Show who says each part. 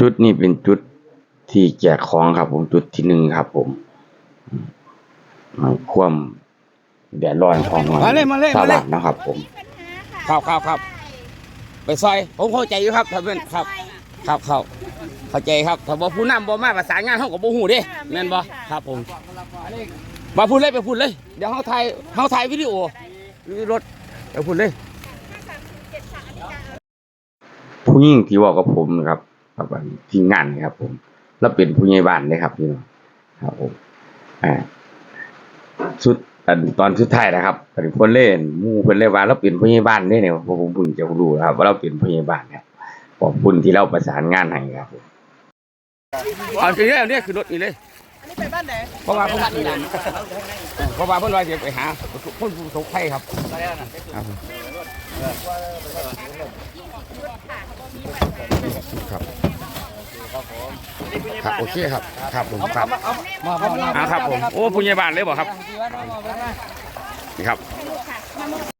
Speaker 1: จุดนี้เป็นจุดที่แจกของครับผมจุดที่1ครับผมความแดดร้อนของชาวบ้านนะครับผม
Speaker 2: ครับไปซอยผมเข้าใจอยู่ครับท่านเพื่อนครับเข้าใจครับถ้าบ่ผู้นำบ่มาประสานงานเฮาก็บ่ฮู้เด้แม่นบ่ครับผมมาพูดเลยไปพูดเลยเดี๋ยวเฮาถ่ายวิดีโอรถไปพูดเลย
Speaker 1: ผู้หญิงที่บอกกับผมนะครับทีมงานครับผมแล้วเป็นผู้ใหญ่บ้านเลยครับพี่น้องครับผมสุดตอนสุดท้ายนะครับเป็นคนเล่นหมู่เพิ่นเลยว่าเราเป็นผู้ใหญ่บ้านได้เนี่ยผมเพิ่งจะรู้ครับว่าเราเป็นผู้ใหญ่บ้านครับขอบคุณที่เราประสานงานให้ครับผม
Speaker 2: เอาทีนี้เนี่ยคือรถนี่เลยอันนี้ไปบ้านไหนเพราะว่าเพิ่นว่าจะไปหาคนผู้สกภัยครับครับโอเคครับผมครับครับผมโอ้ผู้ใหญ่บ้านเลยบอกครับนี่ครับ